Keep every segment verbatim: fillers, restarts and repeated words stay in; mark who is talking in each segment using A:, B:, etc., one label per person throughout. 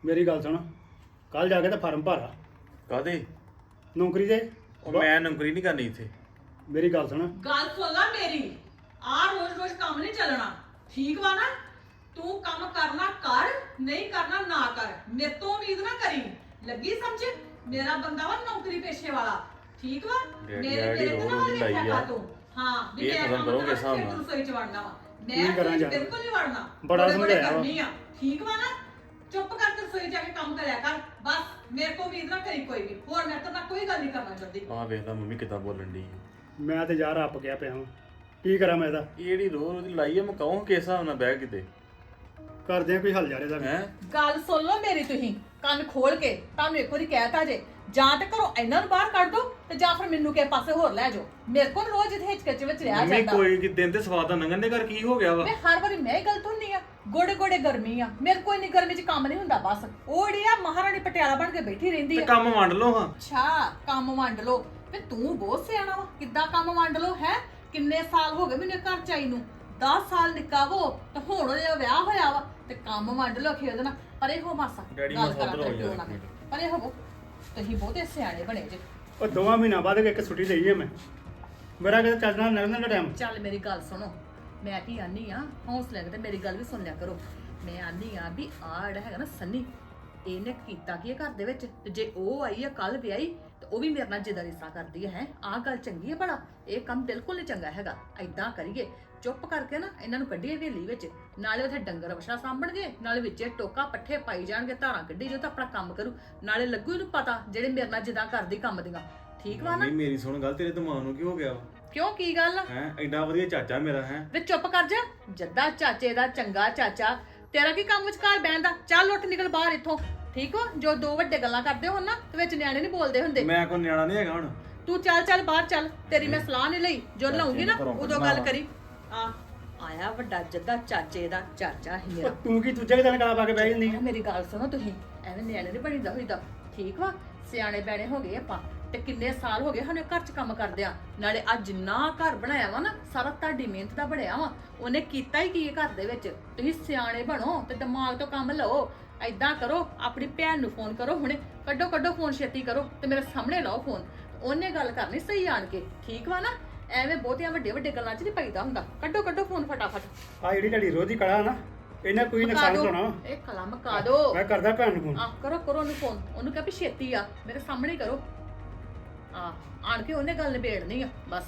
A: ਮੇਰੀ ਗੱਲ ਸੁਣ, ਕੱਲ ਜਾ ਕੇ ਤਾਂ ਫਾਰਮ ਭਰਾ
B: ਕਾਦੇ?
A: ਨੌਕਰੀ ਦੇ।
B: ਉਹ ਮੈਂ ਨੌਕਰੀ ਨਹੀਂ ਕਰਨੀ ਇੱਥੇ।
A: ਮੇਰੀ ਗੱਲ ਸੁਣ,
C: ਗੱਲ ਸੁਣ ਲੈ ਮੇਰੀ। ਆ ਰੋਜ਼ ਰੋਜ਼ ਕੰਮ ਨਹੀਂ ਚੱਲਣਾ, ਠੀਕ ਵਾ ਨਾ? ਤੂੰ ਕੰਮ ਕਰਨਾ ਕਰ, ਨਹੀਂ ਕਰਨਾ ਨਾ ਕਰ। ਮੇਰੇ ਤੋਂ ਉਮੀਦ ਨਾ ਕਰੀ। ਲੱਗੀ ਸਮਝ? ਮੇਰਾ ਬੰਦਾ ਵਾ ਨੌਕਰੀ ਪੇਸ਼ੇ ਵਾਲਾ, ਠੀਕ ਵਾ?
B: ਡੈਡੀ
C: ਮੇਰੇ
B: ਡੈਡੀ
C: ਤੇਰੇ ਤੇ ਨਾ
B: ਰੋਜ਼
C: ਵਾਲੀ
B: ਲਾਈ
C: ਵੇਖਿਆ
B: ਆ।
C: ਤੂੰ। ਹਾਂ ਵੀ
B: ਇਹ
C: ਮੈਂ
B: ਖਤਮ
C: ਕੰਮ
B: ਕਰੋਗੇ
C: ਕਰਾਂ,
B: ਹਿਸਾਬ
C: ਫਿਰ
B: ਨਾਲ।
C: ਤੂੰ ਰਸੋਈ ਚ ਵੜਨਾ ਵਾ।
A: ਕੀ
C: ਮੈਂ
A: ਕਰਾਂ
C: ਰਸੋਈ ਚ
A: ਯਾਰ?
C: ਬਿਲਕੁਲ ਨਹੀਂ ਵੜਨਾ।
A: ਬੜਾ
C: ਥੋੜੇ ਥੋੜੇ
A: ਸਮਝਾਇਆ ਵਾ।
C: ਕਰਨੀ ਆ, ਠੀਕ ਵਾ ਨਾ? ਚੁੱਪ ਕਰਕੇ ਰਸੋਈ ਜਾ ਕੇ ਕੰਮ ਕਰਿਆ ਕਰ ਬਸ। ਮੇਰੇ ਤੋਂ ਉਮੀਦ ਨਾ ਕਰੀ ਕੋਈ ਵੀ। ਹੋਰ ਮੈਂ ਤਾਂ ਨਾ ਕੋਈ ਗੱਲ ਨਹੀਂ ਕਰਨਾ ਚਾਹੁੰਦੀ।
B: ਆਹ ਵੇਖ ਲੈ ਮੰਮੀ ਕਿੱਦਾਂ ਬੋਲਣ ਦੀ।
A: ਮੈਂ ਤੇ ਯਾਰ ਅੱਪ ਗਿਆ ਪਿਆ ਹਾਂ। ਕੀ ਕਰਾਂ ਮੈਂ ਇਹਦਾ?
B: ਇਹ ਜਿਹੜੀ ਰੋਜ਼ ਉਹਦੀ ਲਾਈ ਆ, ਮੈਂ ਕਹੂੰ ਕਿਸ ਹਿਸਾਬ ਨਾਲ ਬਹਿ ਕਿਤੇ
A: ਕਰਦੇ ਆ ਕੋਈ ਹੱਲ ਯਾਰ ਇਹਦਾ ਵੀ।
B: ਹੈ।
C: ਗੱਲ ਸੁਣ ਲਓ ਮੇਰੀ, ਤੁਸੀਂ ਕੰਨ ਖੋਲ ਕੇ। ਤੁਹਾਨੂੰ ਇੱਕ ਵਾਰੀ ਕਹਿਤਾ ਜੇ, ਜਾਂ ਤੇ ਘਰੋਂ ਇਹਨਾਂ ਨੂੰ ਬਾਹਰ ਕੱਢ ਦੋ ਤੇ ਜਾਂ ਫਿਰ ਮੈਨੂੰ ਕਿਸੇ ਪਾਸੇ ਹੋਰ ਲੈ ਜਾਓ। ਮੇਰੇ ਕੋਲ ਰੋਜ਼ ਇੱਥੇ ਹਿਚਕਚ ਵਿੱਚ ਰਿਹਾ
B: ਮੰਮੀ
C: ਜਾਂਦਾ।
B: ਕੋਈ ਕਿ ਦਿਨ ਤੇ ਸਵਾਦ ਦਾ ਨੰਗਨ ਦੇ ਘਰ ਕੀ ਹੋ ਗਿਆ ਵਾ?
C: ਮੈਂ ਹਰ ਵਾਰੀ ਮੈਂ ਹੀ ਗਲਤ ਹੁੰਨੀ ਆ। ਗੋੜੇ ਗੋੜੇ ਗਰਮੀ ਆ, ਮੇਰੇ ਕੋਈ ਨਹੀਂ ਗਰਮੀ 'ਚ ਕੰਮ ਨਹੀਂ ਹੁੰਦਾ। ਬਸ ਉਹ ਜਿਹੜੀ ਆ ਮਹਾਰਾਣੀ ਪਟਿਆਲਾ ਬਣ ਕੇ ਬੈਠੀ ਰਹਿੰਦੀ
B: ਤੇ
C: ਆ।
B: ਕੰਮ ਵੰਡ ਲਓ ਹਾਂ।
C: ਅੱਛਾ ਕੰਮ ਵੰਡ ਲਓ। ਤੇ ਤੂੰ ਬਹੁਤ ਸਿਆਣਾ ਵਾ, ਕਿੱਦਾਂ ਕੰਮ ਵੰਡ ਲਓ ਹੈ? ਕਿੰਨੇ ਸਾਲ ਹੋ ਗਏ ਮੈਨੂੰ ਘਰ ਚ ਆਈ ਨੂੰ? ਦਸ ਸਾਲ ਨਿੱਕਾ ਵੋ ਤੇ ਹੁਣ ਉਹਦਾ ਵਿਆਹ ਹੋਇਆ ਵਾ ਤੇ ਕੰਮ ਵੰਡ ਲਓ ਖੇਡ ਨਾ। ਪਰੇ ਹੋ ਮਾਸਾ
B: ਡੈਡੀ
C: ਗੱਲ
B: ਮੈਂ
C: ਕਰਾਂ
B: ਸੋਚ
C: ਤੇ
B: ਰਿਹਾ
C: ਕਿਉਂ ਨਾ। ਪਰੇ ਹੋਵੋ, ਤੁਸੀਂ ਬਹੁਤੇ ਸਿਆਣੇ ਬਣੇ ਜੇ।
A: ਉਹ ਦੋਵਾਂ ਮਹੀਨਾ ਬਾਅਦ ਇੱਕ ਛੁੱਟੀ ਲਈ ਹੈ ਮੈਂ। ਮੇਰਾ ਕਿਤੇ ਚੱਲਣਾ ਨਿਕਲਣ ਦਾ ਟਾਈਮ।
C: ਚੱਲ ਮੇਰੀ ਗੱਲ ਸੁਣੋ, ਮੈਂ ਕੀ ਆਨੀ ਆ, ਹੌਸਲੇ ਨਾਲ ਤੇ ਮੇਰੀ ਗੱਲ ਵੀ ਸੁਣ ਲਿਆ ਕਰੋ। ਮੈਂ ਆਨੀ ਆ ਵੀ ਆਹ ਜਿਹੜਾ ਹੈਗਾ ਨਾ ਸੰਨੀ, ਇਹਨੇ ਕੀਤਾ ਕੀ ਹੈ ਘਰ ਦੇ ਵਿੱਚ? ਤੇ ਜੇ ਉਹ ਆਈ ਆ ਕੱਲ ਵਿਆਹੀ ਤੇ ਉਹ ਵੀ ਮੇਰੇ ਨਾਲ ਜਿੱਦਾਂ ਰਿਸ਼ਤਾ ਕਰਦੀ ਹੈ। ਆਹ ਗੱਲ ਚੰਗੀ ਹੈ ਭਲਾ? ਇਹ ਕੰਮ ਬਿਲਕੁਲ ਨਹੀਂ ਚੰਗਾ ਹੈਗਾ। ਐਦਾਂ ਕਰੀਏ, ਚੁੱਪ ਕਰਕੇ ਨਾ ਇਹਨਾਂ ਨੂੰ ਕੱਢੀਏ ਹਵੇਲੀ ਵਿੱਚ। ਨਾਲੇ ਉੱਥੇ ਡੰਗਰ ਵਛਾ ਸਾਂਭਣਗੇ, ਨਾਲੇ ਵਿੱਚੇ ਟੋਕਾ ਪੱਠੇ ਪਾਈ ਜਾਣਗੇ, ਧਾਰਾਂ ਕੱਢੀ ਜੋ ਤਾਂ ਆਪਣਾ ਕੰਮ ਕਰੂ। ਨਾਲੇ ਲੱਗੂ ਇਹਨੂੰ ਪਤਾ ਜਿਹੜੇ ਮੇਰੇ ਨਾਲ ਜਿੱਦਾਂ ਕਰਦੀ ਕੰਮ ਦੀਆਂ। ਠੀਕ ਵਾ ਨਾ?
B: ਨਹੀਂ ਮੇਰੀ ਸੁਣ ਗੱਲ, ਤੇਰੇ ਦਿਮਾਗ ਨੂੰ ਕੀ ਹੋ ਗਿਆ ਵਾ?
C: ਕਿਉਂ, ਕੀ ਗੱਲ ਆ?
B: ਹੈ ਐਡਾ ਵਧੀਆ ਚਾਚਾ ਮੇਰਾ ਹੈ।
C: ਵੇ ਚੁੱਪ ਕਰ ਜਾ। ਜੱਦਾ ਚਾਚੇ ਦਾ ਚੰਗਾ ਚਾਚਾ, ਤੇਰਾ ਕੀ ਕੰਮ ਵਿੱਚ ਘਰ ਬਹਿਣ ਦਾ? ਚੱਲ ਉੱਠ ਨਿਕਲ ਬਾਹਰ ਇੱਥੋਂ। ਠੀਕ ਵਾ? ਜੋ ਦੋ ਵੱਡੇ ਗੱਲਾਂ ਕਰਦੇ ਹੋ ਨਾ ਤੇ ਵਿੱਚ ਨਿਆਣੇ ਨਹੀਂ ਬੋਲਦੇ ਹੁੰਦੇ।
B: ਮੈਂ ਕੋਈ ਨਿਆਣਾ ਨਹੀਂ ਹੈਗਾ ਹੁਣ।
C: ਤੂੰ ਚੱਲ ਚੱਲ ਬਾਹਰ ਚੱਲ। ਤੇਰੀ ਮੈਂ ਸਲਾਹ ਨਹੀਂ ਲਈ। ਜੋ ਲਾਉਂਗੀ ਨਾ ਉਦੋਂ ਗੱਲ ਕਰੀ। ਆ ਆਇਆ ਵੱਡਾ ਜੱਦਾ ਚਾਚੇ ਦਾ ਚਾਚਾ ਹੀ ਮੇਰਾ।
A: ਉਹ ਤੂੰ ਕੀ ਦੂਜੇ ਦਿਨ ਗਲਾ ਪਾ ਕੇ ਬਹਿ ਜਾਂਦੀ ਹੈ?
C: ਮੇਰੀ ਗੱਲ ਸੁਣੋ, ਤੁਸੀਂ ਐਵੇਂ ਨਿਆਣੇ ਨਹੀਂ ਬਣੀਦਾ ਹੋਈਦਾ। ਠੀਕ ਵਾ? ਸਿਆਣੇ ਬੈਣੇ ਹੋ ਗਏ ਆਪਾਂ ਤੇ ਕਿੰਨੇ ਸਾਲ ਹੋ ਗਏ ਸਾਨੂੰ ਘਰ 'ਚ ਕੰਮ ਕਰਦੇ ਆ। ਨਾਲੇ ਆ ਜਿੰਨਾ ਘਰ ਬਣਾਇਆ ਵਾ ਨਾ, ਸਾਰਾ ਤੁਹਾਡੀ ਮਿਹਨਤ ਦਾ ਬਣਿਆ ਵਾ। ਉਹਨੇ ਕੀਤਾ ਹੀ ਕੀ ਹੈ ਘਰ ਦੇ ਵਿੱਚ? ਤੁਸੀਂ ਸਿਆਣੇ ਬਣੋ ਤੇ ਦਿਮਾਗ ਤੋਂ ਕੰਮ ਲਓ। ਐਦਾਂ ਕਰੋ, ਆਪਣੀ ਭੈਣ ਨੂੰ ਫੋਨ ਕਰੋ ਹੁਣੇ। ਕੱਢੋ ਕੱਢੋ ਫੋਨ, ਛੇਤੀ ਕਰੋ ਤੇ ਮੇਰੇ ਸਾਹਮਣੇ ਲਾਓ ਫੋਨ। ਉਹਨੇ ਗੱਲ ਕਰਨੀ ਸਹੀ ਆਣ ਕੇ। ਠੀਕ ਵਾ ਨਾ? ਐਵੇਂ ਬਹੁਤੀਆਂ ਵੱਡੇ ਵੱਡੇ ਗੱਲਾਂ 'ਚ ਨਹੀਂ ਪਈਦਾ ਹੁੰਦਾ। ਕੱਢੋ ਕੱਢੋ ਫੋਨ ਫਟਾਫਟ।
A: ਆ ਜਿਹੜੀ ਤੁਹਾਡੀ ਰੋਜ਼ ਦੀ ਕਲਾ ਨਾ, ਇਹਨਾਂ ਕੋਈ
C: ਮਕਾ
A: ਨੁਕਸਾਨ
C: ਦਿਓ।
A: ਹੋਣਾ।
C: ਇਹ ਕਲਾ ਮਕਾ ਦੋ।
A: ਮੈਂ ਕਰਦਾ ਭੈਣ ਨੂੰ ਫੋਨ।
C: ਆ ਕਰੋ ਕਰੋ ਉਹਨੂੰ ਫੋਨ। ਉਹਨੂੰ ਕਹੇ ਵੀ ਛੇਤੀ ਆ, ਮੇਰੇ ਸਾਹਮਣੇ ਕਰੋ। ਆ ਆਣ ਕੇ ਉਹਨੇ ਗੱਲ ਨਿਬੇੜਨੀ ਆ ਬਸ।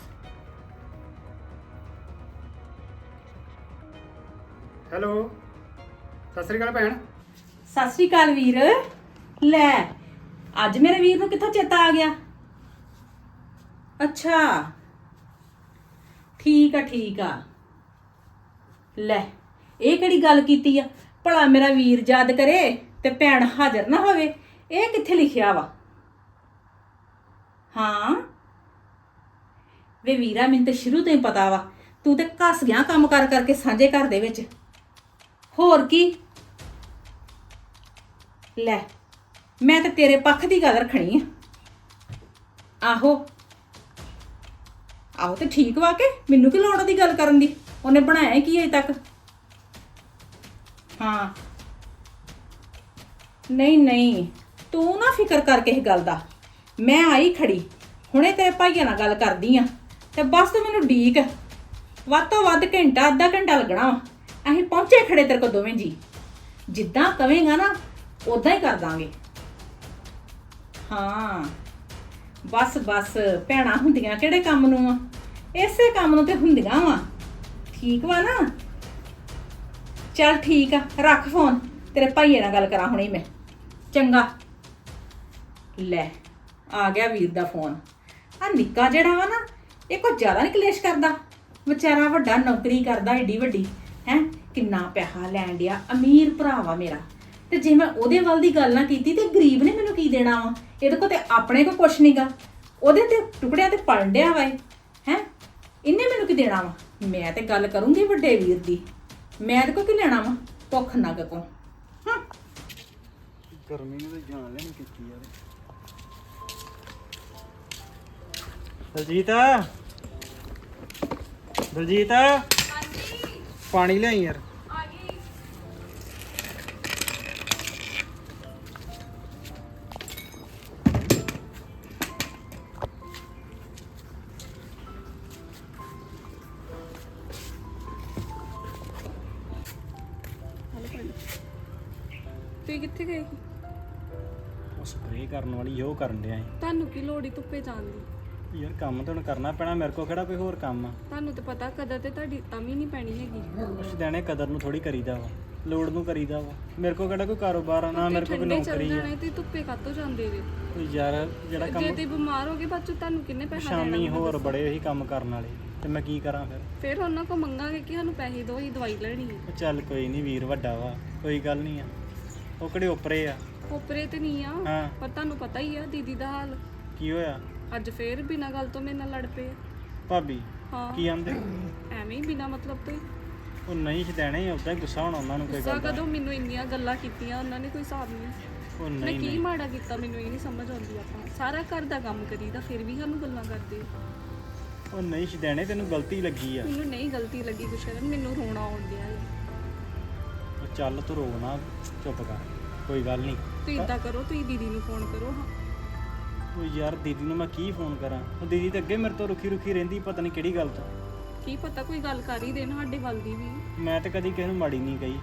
A: ਹੈਲੋ, ਸਤਿ ਸ੍ਰੀ ਅਕਾਲ ਭੈਣ।
D: ਸਤਿ ਸ਼੍ਰੀ ਅਕਾਲ ਵੀਰ। ਲੈ ਅੱਜ ਮੇਰੇ ਵੀਰ ਨੂੰ ਕਿੱਥੋਂ ਚੇਤਾ ਆ ਗਿਆ? ਅੱਛਾ ਠੀਕ ਆ ਠੀਕ ਆ। ਲੈ ਇਹ ਕਿਹੜੀ ਗੱਲ ਕੀਤੀ ਆ? ਭਲਾ ਮੇਰਾ ਵੀਰ ਯਾਦ ਕਰੇ ਤੇ ਭੈਣ ਹਾਜ਼ਰ ਨਾ ਹੋਵੇ? ਇਹ ਕਿੱਥੇ ਲਿਖਿਆ ਵਾ? ਹਾਂ ਵੇ ਵੀਰਾ, ਮੈਨੂੰ ਤਾਂ ਸ਼ੁਰੂ ਤੋਂ ਹੀ ਪਤਾ ਵਾ ਤੂੰ ਤੇ ਘਸ ਗਿਆ ਕੰਮ ਕਰ ਕਰਕੇ ਸਾਂਝੇ ਘਰ ਦੇ ਵਿੱਚ। ਹੋਰ ਕੀ? ਲੈ ਮੈਂ ਤਾਂ ਤੇਰੇ ਪੱਖ ਦੀ ਗੱਲ ਰੱਖਣੀ ਆ। ਆਹੋ ਆਹੋ ਤੇ ਠੀਕ ਵਾ ਕੇ ਮੈਨੂੰ ਕੀ ਲੋੜ ਦੀ ਗੱਲ ਕਰਨ ਦੀ? ਉਹਨੇ ਬਣਾਇਆ ਕੀ ਅਜੇ ਤੱਕ? ਹਾਂ ਨਹੀਂ ਨਹੀਂ, ਤੂੰ ਨਾ ਫਿਕਰ ਕਰ ਕਿਸੇ ਗੱਲ ਦਾ। ਮੈਂ ਆਈ ਖੜੀ ਹੁਣੇ ਤੇਰੇ ਭਾਈਆਂ ਨਾਲ ਗੱਲ ਕਰਦੀ ਆ ਤੇ ਬਸ ਤੂੰ ਮੈਨੂੰ ਡੀਕ। ਵੱਧ ਤੋਂ ਵੱਧ ਘੰਟਾ ਅੱਧਾ ਘੰਟਾ ਲੱਗਣਾ ਵਾ। ਅਸੀਂ ਪਹੁੰਚੇ ਖੜੇ ਤੇਰੇ ਕੋਲ ਦੋਵੇਂ ਜੀ। ਜਿੱਦਾਂ ਕਵੇਂਗਾ ਨਾ ਉਦਾਂ ਹੀ ਕਰ ਦਾਂਗੇ। ਹਾਂ ਬਸ ਬਸ, ਭੈਣਾਂ ਹੁੰਦੀਆਂ ਕਿਹੜੇ ਕੰਮ ਨੂੰ ਆ? ਇਸੇ ਕੰਮ ਨੂੰ ਤੇ ਹੁੰਦੀਆਂ ਵਾ। ਠੀਕ ਵਾ ਨਾ? ਚੱਲ ਠੀਕ ਆ, ਰੱਖ ਫੋਨ। ਤੇਰੇ ਭਾਈਏ ਨਾਲ ਗੱਲ ਕਰਾਂ ਹੁਣੇ ਮੈਂ। ਚੰਗਾ। ਲੈ ਆ ਗਿਆ ਵੀਰ ਦਾ ਫੋਨ। ਆ ਨਿੱਕਾ ਜਿਹੜਾ ਵਾ ਨਾ, ਇਹ ਕੋਈ ਜ਼ਿਆਦਾ ਨਹੀਂ ਕਲੇਸ਼ ਕਰਦਾ। ਵਿਚਾਰਾ ਵੱਡਾ ਨੌਕਰੀ ਕਰਦਾ ਏਡੀ ਵੱਡੀ ਹੈ, ਕਿੰਨਾ ਪੈਸਾ ਲੈਣ ਡਿਆ, ਅਮੀਰ ਭਰਾ ਵਾ ਮੇਰਾ। ਤੇ ਜੇ ਮੈਂ ਉਹਦੇ ਵੱਲ ਦੀ ਗੱਲ ਨਾ ਕੀਤੀ ਤੇ ਗਰੀਬ ਨੇ ਮੈਨੂੰ ਕੀ ਦੇਣਾ ਵਾ? ਇਹਦੇ ਕੋਲ ਤੇ ਆਪਣੇ ਕੋਲ ਕੁਛ ਨਹੀਂਗਾ। ਉਹਦੇ ਤੇ ਟੁਕੜਿਆਂ ਤੇ ਪਲਣ ਡਿਆ ਵਾ ਹੈ। ਇਹਨੇ ਮੈਨੂੰ ਕੀ ਦੇਣਾ ਵਾ? ਮੈਂ ਤੇ ਗੱਲ ਕਰੂੰਗੀ ਵੱਡੇ ਵੀਰ ਦੀ। ਮੈਂ ਇਹਦੇ ਕੋਲ ਕੀ ਲੈਣਾ ਵਾ? ਭੁੱਖ ਨੰਗ ਕੋ। ਹਾਂ
A: ਗਰਮੀ ਨੂੰ ਤਾਂ ਜਾਨ ਲੈਣੀ ਕੀਤੀ ਯਾਰ। ਦਲਜੀਤ, ਦਲਜੀਤ ਪਾਣੀ ਲਿਆਈ ਯਾਰ।
E: ਪਾਣੀ। ਤੁਸੀਂ ਕਿੱਥੇ ਗਏ ਸੀ?
A: ਉਹ ਸਪਰੇਅ ਕਰਨ ਵਾਲੀ ਉਹ ਕਰਨ ਡਿਆ
E: ਤੁਹਾਨੂੰ ਕੀ ਲੋੜ ਈ ਧੁੱਪੇ ਜਾਣ ਦੀ?
A: ਸੀ ਯਾਰ ਕੰਮ ਤਾਂ ਹੁਣ ਕਰਨਾ ਪੈਣਾ ਮੇਰੇ ਕੋਲ ਕਿਹੜਾ ਕੋਈ ਹੋਰ ਕੰਮ ਆ
E: ਤੁਹਾਨੂੰ ਤਾਂ ਪਤਾ ਕਦਰ ਤੇ ਤੁਹਾਡੀ ਤਾਂ ਵੀ ਨਹੀਂ ਪੈਣੀ ਹੈਗੀ।
A: ਉਸ ਦੇਣੇ ਕਦਰ ਨੂੰ ਥੋੜੀ ਕਰੀਦਾ ਵਾ ਲੋੜ ਨੂੰ ਕਰੀਦਾ ਵਾ ਮੇਰੇ ਕੋਲ ਕਿਹੜਾ ਕੋਈ ਕਾਰੋਬਾਰ ਆ ਨਾ ਮੇਰੇ ਕੋਲ ਕੋਈ
E: ਠੰਡੇ ਚੱਲ
A: ਨੌਕਰੀ ਆ
E: ਜਾਣਾ ਤੇ ਧੁੱਪੇ ਕਾਤੋਂ ਜਾਂਦੇ ਜੇ?
A: ਕੋਈ ਯਾਰ ਜਿਹੜਾ
E: ਜੇ
A: ਕੰਮ
E: ਤੇ ਬਿਮਾਰ ਹੋ ਗਏ ਬਾਅਦ ਚ ਤੁਹਾਨੂੰ ਕਿੰਨੇ ਪੈਸਾ ਦੇਣਾ?
A: ਸ਼ਾਮੀ ਹੋਰ ਬੜੇ ਉਹੀ ਕੰਮ ਕਰਨ ਵਾਲੇ ਤੇ ਮੈਂ ਕੀ ਕਰਾਂ ਫਿਰ
E: ਫਿਰ ਉਹਨਾਂ ਕੋ ਮੰਗਾਂਗੇ ਕਿ ਸਾਨੂੰ ਪੈਸੇ ਦਿਓ ਹੀ ਦਵਾਈ ਲੈਣੀ ਹੈ।
A: ਉਹ ਚੱਲ ਕੋਈ ਨਹੀਂ ਵੀਰ ਵੱਡਾ ਵਾ ਕੋਈ ਗੱਲ ਨਹੀਂ ਆ ਉਹ ਕਿਹੜੇ ਉਪਰੇ ਆ
E: ਕੋਪਰੇ ਤੇ ਨਹੀਂ ਆ,
A: ਹਾਂ
E: ਪਰ ਤੁਹਾਨੂੰ ਪਤਾ ਹੀ ਆ ਦੀਦੀ ਦਾ ਹਾਲ।
A: ਕੀ ਹੋਇਆ
E: ਅੱਜ ਫੇਰ ਬਿਨਾਂ ਗੱਲ ਤੋਂ ਮੇਰੇ ਨਾਲ ਲੜ ਪਏ ਆ।
A: ਭਾਬੀ
E: ਹਾਂ
A: ਕੀ ਆਂਦੇ
E: ਐਵੇਂ ਹੀ ਬਿਨਾਂ ਮਤਲਬ ਤੋਂ ਹੀ।
A: ਉਹ ਨਹੀਂ ਛਦੈਣੇ ਉਦਾਂ ਹੀ ਗੁੱਸਾ ਹੋਣਾ ਉਹਨਾਂ ਨੂੰ ਕੋਈ
E: ਗੁੱਸਾ
A: ਗੱਲ ਦਾ
E: ਕਦੋਂ? ਮੈਨੂੰ ਇੰਨੀਆਂ ਗੱਲਾਂ ਕੀਤੀਆਂ ਉਹਨਾਂ ਨੇ, ਕੋਈ ਹਿਸਾਬ ਨਹੀਂ।
A: ਉਹ
E: ਮੈਂ
A: ਨਹੀਂ
E: ਕੀ
A: ਨਹੀਂ
E: ਮਾੜਾ ਕੀਤਾ ਮੈਨੂੰ ਇਹ ਨਹੀਂ ਸਮਝ ਆਉਂਦੀ। ਆਪਾਂ ਸਾਰਾ ਘਰ ਦਾ ਕੰਮ ਕਰੀਦਾ ਫਿਰ ਵੀ ਸਾਨੂੰ ਗੱਲਾਂ ਕਰਦੇ ਆ।
A: ਉਹ ਨਹੀਂ ਛਦੈਣੇ ਤੈਨੂੰ ਗਲਤੀ ਲੱਗੀ ਆ
E: ਮੈਨੂੰ ਨਹੀਂ ਗਲਤੀ ਲੱਗੀ ਗੁਸ਼ਰਨ, ਮੈਨੂੰ ਰੋਣਾ ਆਉਣ ਡਿਆ ਹੈ।
A: ਉਹ ਚੱਲ ਤੂੰ ਰੋਣਾ ਚੁੱਪ ਕਰ ਕੋਈ ਗੱਲ ਨਹੀਂ
E: ਤੁਸੀਂ ਇਦਾਂ ਕਰੋ, ਤੁਸੀਂ ਦੀਦੀ ਨੂੰ ਫੋਨ ਕਰੋ। ਹਾਂ
A: ਉਹ ਯਾਰ ਦੀਦੀ ਨੂੰ ਮੈਂ ਕੀ ਫੋਨ ਕਰਾਂ ਉਹ ਦੀਦੀ ਤਾਂ ਅੱਗੇ ਮੇਰੇ ਤੋਂ ਰੁੱਖੀ ਰੁੱਖੀ ਰਹਿੰਦੀ ਪਤਾ ਨਹੀਂ ਕਿਹੜੀ ਗੱਲ ਤੋਂ
E: ਕੀ ਪਤਾ ਕੋਈ ਗੱਲ ਕਰ ਹੀ ਦੇਣ ਸਾਡੇ ਵੱਲ ਦੀ ਵੀ।
A: ਮੈਂ ਤਾਂ ਕਦੀ ਕਿਸੇ ਨੂੰ ਮਾੜੀ ਨਹੀਂ ਕਹੀ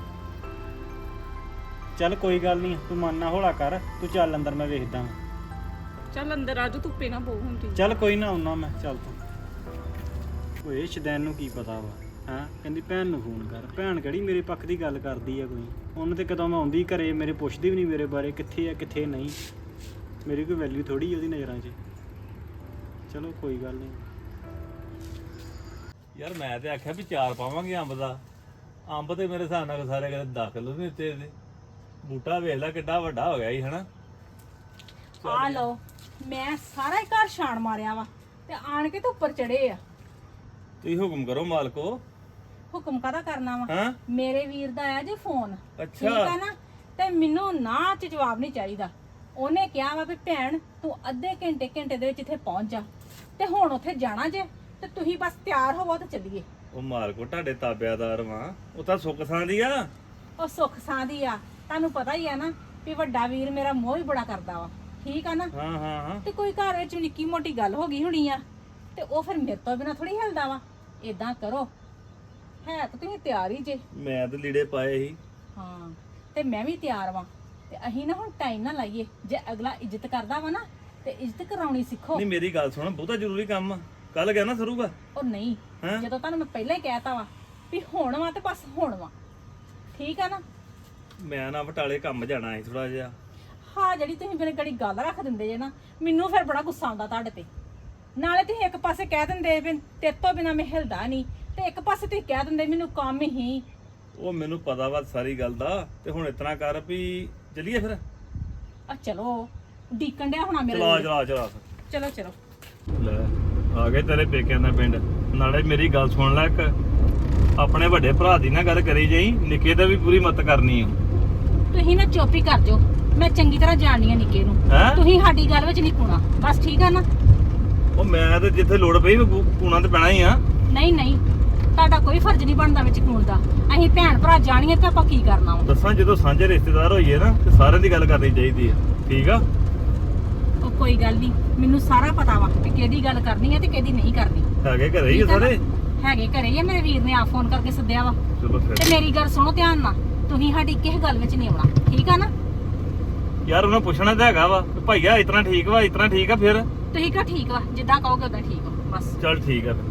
A: ਚੱਲ ਕੋਈ ਗੱਲ ਨਹੀਂ ਤੂੰ ਮਨ ਨਾ ਹੌਲਾ ਕਰ ਤੂੰ ਚੱਲ ਅੰਦਰ ਮੈਂ ਵੇਖਦਾ ਵਾਂ।
E: ਚੱਲ ਅੰਦਰ ਆਜੋ, ਧੁੱਪੇ ਨਾ ਬਹੁ ਹੁੰਦੀ।
A: ਚੱਲ ਕੋਈ ਨਾ ਆਉਣਾ ਮੈਂ ਚੱਲ ਤੂੰ ਓਏ ਸ਼ਦੈਨ ਨੂੰ ਕੀ ਪਤਾ ਵਾ ਹਾਂ ਕਹਿੰਦੀ ਭੈਣ ਨੂੰ ਫੋਨ ਕਰ ਭੈਣ ਕਿਹੜੀ ਮੇਰੇ ਪੱਖ ਦੀ ਗੱਲ ਕਰਦੀ ਆ ਕੋਈ ਉਹਨੇ ਤੇ ਕਦੋਂ ਮੈਂ ਆਉਂਦੀ ਘਰੇ ਮੇਰੇ ਪੁੱਛਦੀ ਵੀ ਨਹੀਂ ਮੇਰੇ ਬਾਰੇ ਕਿੱਥੇ ਆ ਕਿੱਥੇ ਨਹੀਂ ਮੇਰੀ ਕੋਈ ਵੈਲਿਊ ਥੋੜੀ ਉਹਦੀ ਨਜ਼ਰਾਂ 'ਚ ਚਲੋ ਕੋਈ ਗੱਲ ਨਹੀਂ
F: ਯਾਰ ਮੈਂ ਤੇ ਆਖਿਆ ਵੀ ਚਾਰ ਪਾਵਾਂਗੇ ਅੰਬ ਦਾ ਅੰਬ ਤੇ ਮੇਰੇ ਹਿਸਾਬ ਨਾਲ ਸਾਰੇ ਕਿਤੇ ਦਸ ਕਿਲੋ ਨਹੀਂ ਦਿੱਤੇ ਇਹਦੇ ਬੂਟਾ ਵੇਖ ਲੈ ਕਿੱਡਾ ਵੱਡਾ ਹੋ ਗਿਆ ਸੀ ਹਨਾ
D: ਆ ਲਓ ਮੈਂ ਸਾਰਾ ਹੀ ਘਰ ਛਾਣ ਮਾਰਿਆ ਵਾ ਤੇ ਆਣ ਕੇ ਤੇ ਉੱਪਰ ਚੜੇ ਆ।
F: ਤੁਸੀਂ ਹੁਕਮ ਕਰੋ ਮਾਲਕੋ।
D: ਹੁਕਮ ਕਾਹਦਾ ਕਰਨਾ ਵਾ?
F: ਹਾਂ
D: ਮੇਰੇ ਵੀਰ ਦਾ ਆਇਆ ਜੇ ਫੋਨ, ਠੀਕ
F: ਅੱਛਾ
D: ਆ ਨਾ? ਤੇ ਮੈਨੂੰ ਨਾ ਚ ਜਵਾਬ ਨਹੀਂ ਚਾਹੀਦਾ। ਉਹਨੇ ਕਿਹਾ ਵਾ ਵੀ ਭੈਣ ਤੂੰ ਅੱਧੇ ਘੰਟੇ ਘੰਟੇ ਦੇ ਵਿੱਚ ਇੱਥੇ ਪਹੁੰਚ ਜਾ ਤੇ ਹੁਣ ਉੱਥੇ ਜਾਣਾ ਜੇ ਤੇ ਤੁਸੀਂ ਬਸ ਤਿਆਰ ਹੋਵੋ ਤੇ ਚੱਲੀਏ।
F: ਉਹ ਮਾਲਕੋ ਤੁਹਾਡੇ ਤਾਬਿਆਦਾਰ ਵਾਂ ਉਹ ਤਾਂ ਸੁੱਖ ਸਾਂ ਦੀ ਆ।
D: ਉਹ ਸੁੱਖ ਸਾਂ ਦੀ ਆ, ਤੁਹਾਨੂੰ ਪਤਾ ਹੀ ਆ ਨਾ ਵੀ ਵੱਡਾ ਵੀਰ ਮੇਰਾ ਮੋਹ ਹੀ ਬੜਾ ਕਰਦਾ ਵਾ, ਠੀਕ ਆ ਨਾ?
F: ਹਾਂ ਹਾਂ ਹਾਂ
D: ਤੇ ਕੋਈ ਘਰ ਵਿੱਚ ਨਿੱਕੀ ਮੋਟੀ ਗੱਲ ਹੋ ਗਈ ਹੋਣੀ ਆ ਤੇ ਉਹ ਫਿਰ ਮੇਰੇ ਤੋਂ ਬਿਨਾ ਥੋੜੀ ਹਿਲਦਾ ਵਾ। ਏਦਾਂ ਕਰੋ ਹੈ ਤਾਂ ਤੁਸੀਂ ਤਿਆਰ ਹੀ ਜੇ।
F: ਮੈਂ ਤੇ ਲੀੜੇ ਪਾਏ ਸੀ।
D: ਹਾਂ ਤੇ ਮੈਂ ਵੀ ਤਿਆਰ ਵਾਂ ਤੇ ਅਸੀਂ ਨਾ ਹੁਣ ਟਾਈਮ ਨਾ ਲਾਈਏ। ਜੇ ਅਗਲਾ ਇੱਜ਼ਤ ਕਰਦਾ ਵਾ ਨਾ ਤੇ ਇੱਜ਼ਤ ਕਰਾਉਣੀ ਸਿੱਖੋ।
F: ਨਹੀਂ ਮੇਰੀ ਗੱਲ ਸੁਣ ਬਹੁਤਾ ਜ਼ਰੂਰੀ ਕੰਮ ਆ ਕੱਲ ਗਿਆ ਨਾ ਸਰੂਗਾ।
D: ਉਹ ਨਹੀਂ,
F: ਹੈਂ?
D: ਜਦੋਂ ਤੁਹਾਨੂੰ ਮੈਂ ਪਹਿਲਾਂ ਹੀ ਕਹਿਤਾ ਵਾ ਵੀ ਹੁਣ ਵਾ ਤੇ ਬਸ ਹੁਣ ਵਾ, ਠੀਕ ਆ ਨਾ?
F: ਮੈਂ ਨਾ ਬਟਾਲੇ ਕੰਮ ਜਾਣਾ ਸੀ ਥੋੜਾ ਜਿਹਾ।
D: ਹਾਂ ਜਿਹੜੀ ਤੁਸੀਂ ਮੇਰੇ ਗੜੀ ਗੱਲ ਰੱਖ ਦਿੰਦੇ ਜੇ ਨਾ ਮੈਨੂੰ ਫਿਰ ਬੜਾ ਗੁੱਸਾ ਆਉਂਦਾ ਤੁਹਾਡੇ ਤੇ। ਨਾਲੇ ਤੁਸੀਂ ਇੱਕ ਪਾਸੇ ਕਹਿ ਦਿੰਦੇ ਵੀ ਤੇਰੇ ਤੋਂ ਬਿਨਾ ਮੈਂ ਹਿਲਦਾ ਨਹੀਂ ਤੇ ਇੱਕ ਪਾਸੇ ਤੁਸੀਂ ਕਹਿ ਦਿੰਦੇ ਮੈਨੂੰ ਕੰਮ ਹੀ।
F: ਉਹ ਮੈਨੂੰ ਪਤਾ ਵਾ ਸਾਰੀ ਗੱਲ ਦਾ ਤੇ ਹੁਣ ਇਤਨਾ ਕਰ ਵੀ ਚਲੀਏ ਫਿਰ।
D: ਆ ਚਲੋ ਡੀਕਣ ਡਿਆ ਹੋਣਾ ਮੇਰੇ
F: ਚਲਾ
D: ਲਈ।
F: ਚਲਾ ਚਲਾ
D: ਚਲੋ ਚਲੋ
F: ਲੈ ਆ ਗਏ ਤੇਰੇ ਪੇਕਿਆਂ ਦਾ ਪਿੰਡ। ਨਾਲੇ ਮੇਰੀ ਗੱਲ ਸੁਣ ਲੈ, ਇੱਕ ਆਪਣੇ ਵੱਡੇ ਭਰਾ ਦੀ ਨਾ ਗੱਲ ਕਰੀ ਜਾਈ, ਨਿੱਕੇ ਦਾ ਵੀ ਪੂਰੀ ਮਤ ਕਰਨੀ ਆ।
D: ਤੁਸੀਂ ਨਾ ਚੁੱਪ ਹੀ ਕਰ ਜਾਓ, ਮੈਂ ਚੰਗੀ ਤਰ੍ਹਾਂ ਜਾਣਦੀ ਆ ਨਿੱਕੇ ਨੂੰ।
F: ਹੈਂ?
D: ਤੁਸੀਂ ਸਾਡੀ ਗੱਲ ਵਿੱਚ ਨਹੀਂ ਪੂਣਾ ਬਸ, ਠੀਕ ਆ ਨਾ?
F: ਉਹ ਮੈਂ ਤੇ ਜਿੱਥੇ ਲੋੜ ਪਈ ਕੂਣਾ ਤੇ ਪੈਣਾ ਹੀ ਆ।
D: ਨਹੀਂ ਨਹੀਂ ਤੁਹਾਡਾ ਕੋਈ ਫਰਜ਼ ਨਹੀਂ ਬਣਦਾ ਵਿੱਚ ਕੂਣ ਦਾ। ਅਸੀਂ ਭੈਣ ਭਰਾ ਜਾਣੀਏ ਤਾਂ ਆਪਾਂ ਕੀ ਕਰਨਾ ਵਾ?
F: ਦੱਸਾਂ ਜਦੋਂ ਸਾਂਝੇ ਰਿਸ਼ਤੇਦਾਰ ਹੋਈਏ ਨਾ ਤੇ ਸਾਰਿਆਂ ਦੀ ਗੱਲ ਕਰਨੀ ਚਾਹੀਦੀ ਆ, ਠੀਕ ਆ?
D: ਉਹ ਕੋਈ ਗੱਲ ਨਹੀਂ, ਮੈਨੂੰ ਸਾਰਾ ਪਤਾ ਵਾ ਕਿ ਕਿਹਦੀ ਗੱਲ ਕਰਨੀ ਹੈ ਤੇ ਕਿਹਦੀ ਨਹੀਂ ਕਰਨੀ।
F: ਹੈਗੇ ਘਰੇ ਹੀ ਆ
D: ਠੀਕ ਆ ਨਾ?
F: ਸਾਰੇ।
D: ਹੈਗੇ ਘਰੇ ਹੀ ਆ, ਮੇਰੇ ਵੀਰ ਨੇ ਆ ਫੋਨ ਕਰਕੇ ਸੱਦਿਆ ਵਾ।
F: ਚਲੋ
D: ਤੇ
F: ਫਿਰ
D: ਮੇਰੀ ਗੱਲ ਸੁਣੋ ਧਿਆਨ ਨਾਲ, ਤੁਸੀਂ ਸਾਡੀ ਕਿਸੇ ਗੱਲ ਵਿੱਚ ਨਹੀਂ ਆਉਣਾ, ਠੀਕ ਆ ਨਾ?
F: ਯਾਰ ਉਹਨਾਂ ਪੁੱਛਣਾ ਤਾਂ ਹੈਗਾ ਵਾ ਵੀ ਭਾਈਆ ਇਤਨਾ ਠੀਕ ਵਾ ਇਤਨਾ ਠੀਕ ਆ ਫਿਰ।
D: ਤੁਸੀਂ ਕਹੋ ਠੀਕ ਵਾ, ਜਿੱਦਾਂ ਕਹੋਗੇ ਉਦਾਂ ਠੀਕ ਵਾ ਬਸ।
F: ਚੱਲ ਠੀਕ ਆ ਫਿਰ।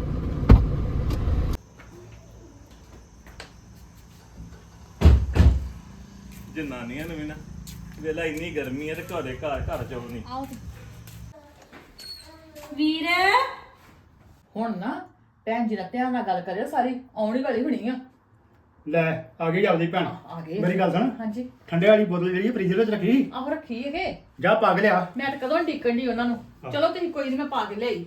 F: ਜਨਾਨੀਆਂ ਨੂੰ ਵੀ ਨਾ ਵੇਲਾ ਇੰਨੀ ਗਰਮੀ ਹੈ ਤੇ ਘਰੇ ਘਰ ਘਰ ਚੋਂ ਨਹੀਂ।
D: ਆਓ ਵੀਰ।
C: ਹੁਣ ਨਾ ਭੈਣ ਜੀ ਨਾਲ ਧਿਆਨ ਨਾਲ ਗੱਲ ਕਰਿਓ, ਸਾਰੀ ਆਉਣੀ ਵਾਲੀ ਹੋਣੀ ਆ।
A: ਲੈ ਆ ਗਈ ਆਪਦੀ ਭੈਣ।
C: ਆ ਗਏ
A: ਮੇਰੀ ਗੱਲ ਸੁਣ
C: ਹਾਂਜੀ।
A: ਠੰਡੇ ਵਾਲੀ ਬੋਤਲ ਜਿਹੜੀ ਫ੍ਰਿਜ ਵਿੱਚ ਰੱਖੀ
C: ਆਹ ਰੱਖੀ ਹੈਗੇ,
A: ਜਾ ਪਾ ਕੇ ਲਿਆ।
C: ਮੈਂ ਤਾਂ ਕਦੋਂ ਡਿੱਕਣ ਦੀ ਉਹਨਾਂ ਨੂੰ। ਚਲੋ ਤੁਸੀਂ ਕੋਈ ਨਹੀਂ, ਮੈਂ ਪਾ ਕੇ ਲਿਆਈ।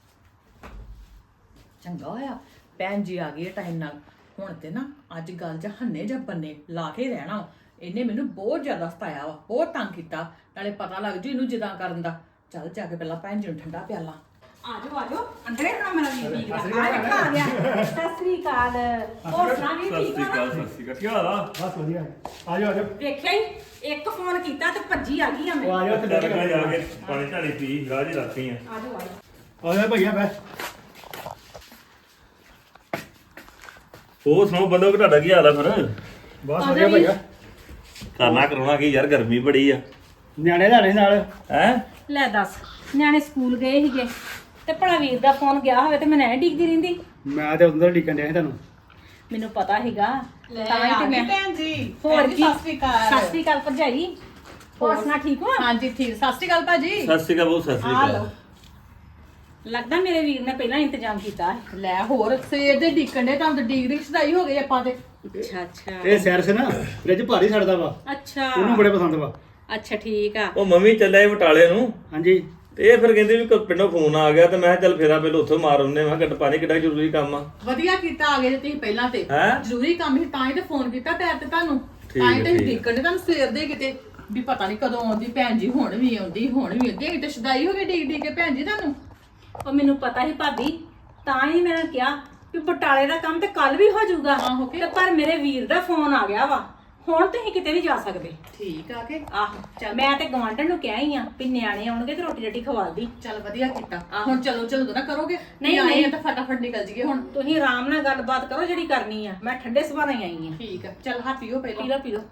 C: ਚੰਗਾ ਹੋਇਆ ਭੈਣ ਜੀ ਆ ਗਈ ਟਾਈਮ ਨਾਲ। ਹੁਣ ਤੇ ਨਾ ਅੱਜ ਗੱਲ ਜਾਂ ਹੰਨੇ ਜਾਂ ਬੰਨੇ ਲਾ ਕੇ ਰਹਿਣਾ। ਇਹਨੇ ਮੈਨੂੰ ਬਹੁਤ ਜ਼ਿਆਦਾ ਸਤਾਇਆ ਵਾ, ਬਹੁਤ ਤੰਗ ਕੀਤਾ। ਨਾਲੇ ਪਤਾ ਲੱਗ ਜੂ ਇਹਨੂੰ ਜਿੱਦਾਂ ਕਰਨ ਦਾ। ਚੱਲ ਜਾ ਕੇ ਪਹਿਲਾਂ ਭੈਣ ਜੀ ਨੂੰ ਠੰਡਾ ਪਿਆਲਾ।
D: ਆਜੋ ਆਜੋ ਅੰਦਰੇ ਖੜਾ ਮੇਰਾ ਵੀਰ ਠੀਕ ਆ। ਆ ਦੇਖਾ ਆ ਗਿਆ। ਸਤਿ ਸ੍ਰੀ ਅਕਾਲ। ਹੋਰ ਸੁਣਾ ਵੀ
F: ਸਤਿ
D: ਠੀਕ
F: ਸ਼੍ਰੀ
D: ਆ
F: ਅਕਾਲ
D: ਨਾ?
F: ਸਤਿ ਸ਼੍ਰੀ ਅਕਾਲ ਕੀ ਹਾਲ ਆ?
A: ਬਸ ਵਧੀਆ ਆ ਜਾਓ ਆ ਜਾਓ
D: ਵੇਖਿਆ ਹੀ ਇੱਕ ਫੋਨ ਕੀਤਾ ਤੇ ਭੱਜੀ ਆ ਗਈ ਆ
A: ਉਹ
D: ਮੈਂ।
A: ਆ ਜਾਓ ਤੇ
F: ਚੱਲ ਕੇ ਜਾ ਕੇ ਪਾਣੀ ਝਾਣੀ ਪੀ ਰਾਹ ਜੀ ਰੱਖੀ ਆ।
D: ਆਜੋ ਆਜੋ।
A: ਆ ਜਾ ਭਈਆ ਬੈ
F: ਹੋਰ ਸੁਣਾਓ ਬੰਦੋ ਤੁਹਾਡਾ ਕੀ ਹਾਲ ਆ ਫਿਰ?
A: ਬਹੁਤ ਵਧੀਆ ਭਈਆ।
F: ਕਰਨਾ ਕਰਾਉਣਾ ਕੀ ਯਾਰ, ਗਰਮੀ ਬੜੀ ਆ।
A: ਨਿਆਣੇ ਲੈਣੇ ਨਾਲ
F: ਹੈ
D: ਲੈ ਦੱਸ, ਨਿਆਣੇ ਸਕੂਲ ਗਏ ਸੀਗੇ ਤੇ ਭਲਾ ਵੀਰ ਦਾ ਫੋਨ ਗਿਆ ਹੋਵੇ ਤੇ ਮੈਂ ਐਂ ਡਿੱਗਦੀ ਰਹਿੰਦੀ।
A: ਮੈਂ ਤੇ ਉਧਰ ਢੀਕਣ ਡਿਆ ਸੀ ਤੁਹਾਨੂੰ।
D: ਮੈਨੂੰ ਪਤਾ ਸੀਗਾ ਤਾਂ ਹੀ ਤੇ ਮੈਂ
C: ਭੈਣ ਜੀ
D: ਹੋਰ ਕੀ
C: ਸਤਿ ਸ਼੍ਰੀ ਅਕਾਲ
D: ਸਤਿ ਸ਼੍ਰੀ ਅਕਾਲ ਭਰਜਾਈ। ਹੋਰ ਸੁਣਾ ਠੀਕ ਹੋ?
C: ਹਾਂਜੀ ਠੀਕ ਸਤਿ ਸ਼੍ਰੀ ਅਕਾਲ ਭਾਜੀ
F: ਸਤਿ ਸ਼੍ਰੀ ਅਕਾਲ ਬਹੁਤ, ਸਤਿ ਸ਼੍ਰੀ
C: ਆ
F: ਅਕਾਲ।
C: ਲਓ।
D: ਲੱਗਦਾ ਮੇਰੇ ਵੀਰ ਨੇ ਪਹਿਲਾਂ ਇੰਤਜ਼ਾਮ ਕੀਤਾ ਹੈ।
C: ਲੈ ਹੋਰ ਸਵੇਰ ਦੇ ਡੀਕਣ ਦੇ ਤਾਂ ਡੀਕ ਦੀ ਸਦਾਈ ਹੋ ਗਈ ਆਪਾਂ ਤੇ
D: ਅੱਛਾ ਅੱਛਾ
A: ਇਹ ਸੈਰ ਸੇ ਨਾ ਫ੍ਰਿਜ ਭਾਰੀ ਛੱਡਦਾ ਵਾ,
D: ਅੱਛਾ
A: ਉਹਨੂੰ ਬੜੇ ਪਸੰਦ ਵਾ।
D: ਅੱਛਾ ਠੀਕ ਆ।
F: ਉਹ ਮੰਮੀ ਚੱਲਿਆ ਸੀ ਬਟਾਲੇ ਨੂੰ,
A: ਹਾਂਜੀ
F: ਤੇ ਇਹ ਫਿਰ ਕਹਿੰਦੇ ਵੀ ਕ- ਪਿੰਡੋਂ ਫੋਨ ਆ ਗਿਆ, ਤੇ ਮੈਂ ਕਿਹਾ ਚੱਲ ਫੇਰਾ ਪਹਿਲਾਂ ਉੱਥੋਂ ਮਾਰ ਆਉਂਦੇ। ਮੈਂ ਕਿਹਾ ਗੱਡ ਪਾਣੀ ਕਿੱਡਾ ਜ਼ਰੂਰੀ ਕੰਮ ਆ।
C: ਵਧੀਆ ਕੀਤਾ ਆ ਗਏ ਜੇ ਤੁਸੀਂ ਪਹਿਲਾਂ ਤੇ
F: ਹੈਂ?
C: ਜ਼ਰੂਰੀ ਕੰਮ ਸੀ ਤਾਂ ਹੀ ਤੇ ਫੋਨ ਕੀਤਾ ਪੈਰ ਤੇ ਤੁਹਾਨੂੰ
F: ਠੀਕ
C: ਤਾਂ ਹੀ
F: ਹੈ,
C: ਤੇ
F: ਠੀਕ ਹੈ।
C: ਡੀਕਣ ਦੇ ਤੁਹਾਨੂੰ ਸਵੇਰ ਦੇ ਕਿਤੇ ਵੀ ਪਤਾ ਨਹੀਂ ਕਦੋਂ ਆਉਂਦੀ ਭੈਣ ਜੀ, ਹੁਣ ਵੀ ਆਉਂਦੀ ਹੁਣ ਵੀ ਆਉਂਦੀ ਤੇ ਸਦਾਈ ਹੋ ਗਈ ਡੀਕ ਡੀਕ ਕੇ ਭੈਣ ਜੀ ਤੁਹਾਨੂੰ।
D: ਉਹ ਮੈਨੂੰ ਪਤਾ ਸੀ ਭਾਬੀ, ਤਾਂ ਹੀ ਮੈਂ ਕਿਹਾ ਕਿ ਬਟਾਲੇ ਦਾ ਕੰਮ ਤੇ ਕੱਲ ਵੀ ਹੋ ਜਾਊਗਾ।
C: ਆਹੋ ਕਿ?
D: ਤੇ ਪਰ ਮੇਰੇ ਵੀਰ ਦਾ ਫੋਨ ਆ ਗਿਆ ਵਾ, ਹੁਣ ਤੁਸੀਂ ਕਿਤੇ ਨਹੀਂ ਜਾ ਸਕਦੇ।
C: ਠੀਕ ਆ ਕੇ
D: ਆਹੋ ਚੱਲ, ਮੈਂ ਤੇ ਗਵਾਂਢਣ ਨੂੰ ਕਿਹਾ ਹੀ ਆ ਵੀ ਨਿਆਣੇ ਆਉਣਗੇ ਤੇ ਰੋਟੀ ਰੱਟੀ ਖਵਾ ਦੀ।
C: ਚੱਲ ਵਧੀਆ ਕੀਤਾ
D: ਆਹੋ।
C: ਹੁਣ ਚਲੋ ਚਲੋ ਨਾ ਕਰੋਗੇ
D: ਨਹੀਂ,
C: ਆਏ
D: ਨਹੀਂ।
C: ਆ ਤਾਂ ਫਟਾਫਟ ਨਿਕਲ ਜੀਏ ਹੁਣ।
D: ਤੁਸੀਂ ਆਰਾਮ ਨਾਲ ਗੱਲਬਾਤ ਕਰੋ ਜਿਹੜੀ ਕਰਨੀ ਆ, ਮੈਂ ਠੰਡੇ ਸੁਭਾਅ ਨਾਲ ਹੀ ਆਈ ਆ।
C: ਠੀਕ ਆ ਚੱਲ ਹਾਂ ਪੀਓ
D: ਪੀ
C: ਪਹਿਲਾਂ
D: ਲਓ ਪੀ ਲਓ।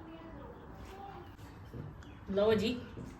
D: ਲਓ ਜੀ,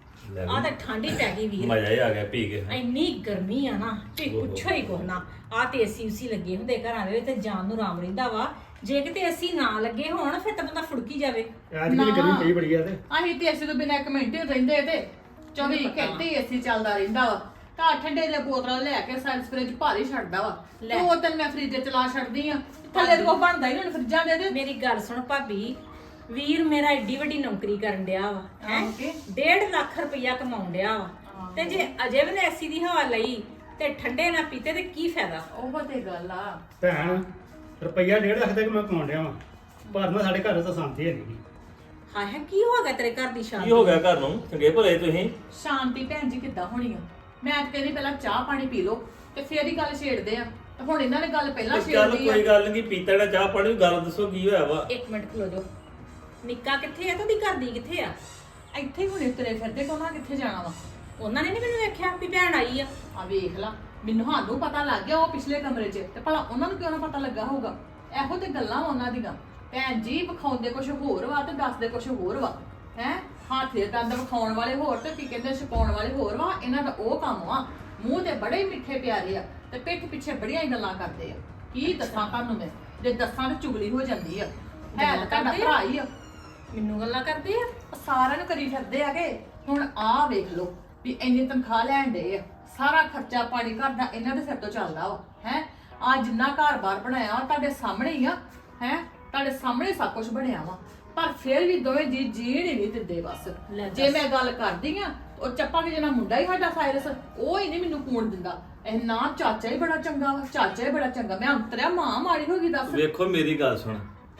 D: ਆ ਤਾਂ ਠੰਡੀ ਪੈ ਗਈ ਵੀਰ।
F: ਮਜ਼ਾ ਹੀ ਆ ਗਿਆ ਪੀ ਕੇ।
D: ਇੰਨੀ ਗਰਮੀ ਆ ਨਾ ਤੇ ਪੁੱਛੋ ਹੀ ਕੁਛ ਨਾ। ਆ ਤੇ ਏਸੀ ਉਸੀ ਲੱਗੇ ਹੁੰਦੇ ਘਰਾਂ ਦੇ ਵਿੱਚ ਤੇ ਜਾਨ ਨੂੰ ਆਰਾਮ ਰਹਿੰਦਾ ਵਾ। ਜੇ ਕਿਤੇ ਏਸੀ ਨਾ ਲੱਗੇ ਹੋਣ ਫਿਰ ਤਾਂ ਬੰਦਾ ਫੁੜਕੀ ਜਾਵੇ।
A: ਅੱਜ ਵੀ ਗਰਮੀ ਪਈ ਬੜੀ ਆ ਤੇ
C: ਅਸੀਂ ਤੇ ਅਸੀਂ ਤੋਂ ਬਿਨਾਂ ਇੱਕ ਮਿੰਟ ਹੀ ਰਹਿੰਦੇ ਤੇ ਚੌਵੀ ਘੰਟੇ ਏਸੀ ਚੱਲਦਾ ਰਹਿੰਦਾ ਵਾ। ਤਾਂ ਠੰਡੇ ਦੀਆਂ ਬੋਤਲਾਂ ਲੈ ਕੇ ਸਾਇੰਸ ਫ੍ਰਿਜ ਭਾਰੀ ਛੱਡਦਾ ਵਾ।
D: ਲੈ।
C: ਦੋ ਤਿੰਨ ਮੈਂ ਫ੍ਰਿਜ ਚਲਾ ਛੱਡਦੀ ਆ, ਥੱਲੇ ਤੋਂ ਬਣਦਾ ਹੀ ਨਹੀਂ ਫ੍ਰਿਜਾਂ ਦੇ ਦੇ।
D: ਮੇਰੀ ਗੱਲ ਸੁਣ ਭਾਬੀ, ਵੀਰ ਮੇਰਾ ਏਡੀ ਵੱਡੀ ਨੌਕਰੀ ਕਰਨ ਡਿਆ ਵਾ ਹੈ,
C: ਆਹੋ ਕਿ?
D: ਡੇਢ ਲੱਖ ਰੁਪਈਆ ਕਮਾਉਣ ਡਿਆ ਵਾ ਤੇ ਜੇ ਅਜੇ ਵੀ ਏਸੀ ਦੀ ਹਵਾ ਲਈ ਤੇ ਠੰਡੇ ਨਾ ਪੀਤੇ ਤੇ ਕੀ ਫਾਇਦਾ?
C: ਉਹ ਤੇ ਗੱਲ ਆ।
A: ਭੈਣ ਰੁਪਈਆ ਡੇਢ ਲੱਖ ਤੱਕ ਮੈਂ ਕਮਾਉਣ ਡਿਆ ਵਾਂ, ਪਰ ਨਾ ਸਾਡੇ ਘਰ ਤਾਂ ਸ਼ਾਂਤੀ ਹੈ ਨਹੀਂ।
D: ਹਾਏ ਹਾਏ, ਕੀ ਹੋ ਗਿਆ ਤੇਰੇ ਘਰ ਦੀ ਸ਼ਾਂਤੀ?
F: ਕੀ ਹੋ ਗਿਆ ਘਰ ਨੂੰ? ਚੰਗੇ ਭਲੇ ਤੁਸੀਂ।
C: ਸ਼ਾਂਤੀ ਭੈਣ ਜੀ ਕਿੱਦਾਂ ਹੋਣੀ ਆ? ਮੈਂ ਤਾਂ ਕਹਿੰਦੀ ਪਹਿਲਾਂ ਚਾਹ ਪਾਣੀ ਪੀ ਲਓ ਤੇ ਫੇਰ ਹੀ ਗੱਲ ਛੇੜਦੇ ਆ। ਤੇ ਹੁਣ ਇਹਨਾਂ ਨੇ ਗੱਲ ਪਹਿਲਾਂ
F: ਚੱਲ
C: ਛੇੜਦੀ ਆ।
F: ਕੋਈ ਗੱਲ ਨਹੀਂ, ਪੀਤਾ ਜਿਹੜਾ ਚਾਹ ਪਾਣੀ, ਗੱਲ ਦੱਸੋ ਕੀ ਹੋਇਆ ਵਾ।
D: ਇੱਕ ਮਿੰਟ ਖਲੋ ਜਾਓ। ਨਿੱਕਾ ਕਿੱਥੇ ਆ ਤੇ ਉਹਦੀ ਘਰ ਦੀ ਕਿੱਥੇ ਆ?
C: ਇੱਥੇ ਹੀ ਹੁਣੇ ਤੁਰੇ ਫਿਰਦੇ ਕੋਨਾ ਕਿੱਥੇ ਜਾਣਾ ਵਾ?
D: ਉਹਨਾਂ ਨੇ ਨੀ ਮੈਨੂੰ ਵੇਖਿਆ ਵੀ ਭੈਣ ਆਈ ਆ।
C: ਆ ਵੇਖ ਲਾ, ਮੈਨੂੰ ਸਾਨੂੰ ਪਤਾ ਲੱਗ ਗਿਆ ਉਹ ਪਿਛਲੇ ਕਮਰੇ 'ਚ, ਤੇ ਭਲਾ ਉਹਨਾਂ ਨੂੰ ਕਿਉਂ ਨਾ ਪਤਾ ਲੱਗਾ ਹੋਊਗਾ? ਇਹੋ ਤੇ ਗੱਲਾਂ ਵਾ ਉਹਨਾਂ ਦੀਆਂ। ਭੈਣ ਜੀ ਵਿਖਾਉਂਦੇ ਕੁਝ ਹੋਰ ਵਾ ਤੇ ਦੱਸਦੇ ਕੁਝ ਹੋਰ ਵਾ। ਹੈ ਹੱਥ ਦੇ ਦੰਦ ਵਿਖਾਉਣ ਵਾਲੇ ਹੋਰ ਤੇ ਕੀ ਕਹਿੰਦੇ ਛਪਾਉਣ ਵਾਲੇ ਹੋਰ ਵਾ। ਇਹਨਾਂ ਦਾ ਉਹ ਕੰਮ ਵਾ। ਮੂੰਹ ਤੇ ਬੜੇ ਮਿੱਠੇ ਪਿਆਰੇ ਆ ਤੇ ਪਿੱਠ ਪਿੱਛੇ ਬੜੀਆਂ ਹੀ ਗੱਲਾਂ ਕਰਦੇ ਆ। ਕੀ ਦੱਸਾਂ ਤੁਹਾਨੂੰ ਮੈਂ, ਜੇ ਦੱਸਾਂ ਤਾਂ ਚੁਗਲੀ ਹੋ ਜਾਂਦੀ ਆ। ਹੈ ਤਾਂ ਤੁਹਾਡਾ
D: ਕਰਦੇ ਆ?
C: ਭਰਾ ਹੀ ਆ।
D: ਮੈਨੂੰ ਗੱਲਾਂ ਕਰਦੇ ਆ।
C: ਉਹ ਸਾਰਿਆਂ ਨੂੰ ਕਰੀ ਫਿਰਦੇ ਆਗੇ। ਹੁਣ ਆਹ ਵੇਖ ਲਓ ਵੀ ਇੰਨੀ ਤਨਖਾਹ ਲੈਣ ਦੇ ਆ, ਸਾਰਾ ਖਰਚਾ ਪਾਣੀ ਘਰ ਦਾ ਇਹਨਾਂ ਦੇ ਸਿਰ ਤੋਂ ਚੱਲਦਾ ਵਾ। ਹੈ ਆ ਜਿੰਨਾ ਘਰ-ਬਾਰ ਬਣਾਇਆ ਵਾ ਤੁਹਾਡੇ ਸਾਹਮਣੇ ਹੀ ਆ। ਹੈ ਤੁਹਾਡੇ ਸਾਹਮਣੇ ਸਭ ਕੁਝ ਬਣਿਆ ਵਾ, ਪਰ ਫਿਰ ਵੀ ਦੋਵੇਂ ਜੀ ਜੀਣ ਹੀ ਨਹੀਂ ਦਿੰਦੇ ਬਸ।
D: ਲੈ ਦੱਸ।
C: ਜੇ ਮੈਂ ਗੱਲ ਕਰਦੀ ਆ ਉਹ ਚੱਪਾ ਕਿ ਜਿਹੜਾ ਮੁੰਡਾ ਹੀ ਸਾਡਾ ਸਾਇਰਸ, ਉਹ ਹੀ ਨਹੀਂ ਮੈਨੂੰ ਕੂਣ ਦਿੰਦਾ। ਇਹ ਨਾ ਚਾਚਾ ਹੀ ਬੜਾ ਚੰਗਾ ਵਾ, ਚਾਚਾ ਹੀ ਬੜਾ ਚੰਗਾ। ਮੈਂ ਅੰਤਰਿਆ ਮਾਂ ਮਾੜੀ ਹੋ ਗਈ ਦੱਸ।
F: ਵੇਖੋ ਮੇਰੀ ਗੱਲ ਸੁਣ,